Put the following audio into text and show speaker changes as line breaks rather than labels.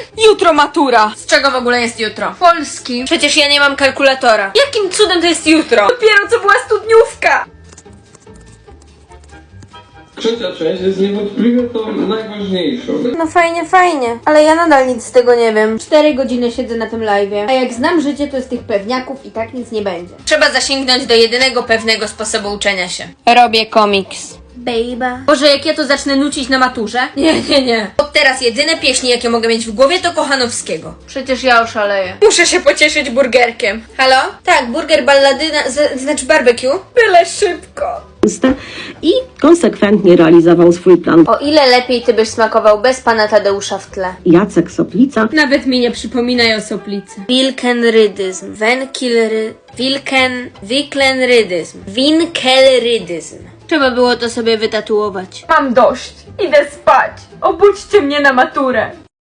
Jutro matura.
Z czego w ogóle jest jutro?
Polski.
Przecież ja nie mam kalkulatora.
Jakim cudem to jest jutro? Dopiero co była studniówka.
Trzecia część jest niewątpliwie tą najważniejszą.
No fajnie, ale ja nadal nic z tego nie wiem. 4 godziny siedzę na tym live'ie, a jak znam życie, to z tych pewniaków i tak nic nie będzie. Trzeba zasięgnąć do jedynego pewnego sposobu uczenia się.
Robię komiks.
Baby. Boże, jak ja to zacznę nucić na maturze? Nie. Od teraz jedyne pieśni, jakie mogę mieć w głowie, to Kochanowskiego.
Przecież ja oszaleję.
Muszę się pocieszyć burgerkiem. Halo? Tak, burger balladyna, znaczy barbecue.
Byle szybko.
I konsekwentnie realizował swój plan.
O ile lepiej ty byś smakował bez pana Tadeusza w tle.
Jacek Soplica
Nawet mi nie przypominaj o soplicy.
Wilkenrydyzm, winkelrydyzm.
Trzeba było to sobie wytatuować. Mam dość. Idę spać. Obudźcie mnie na maturę.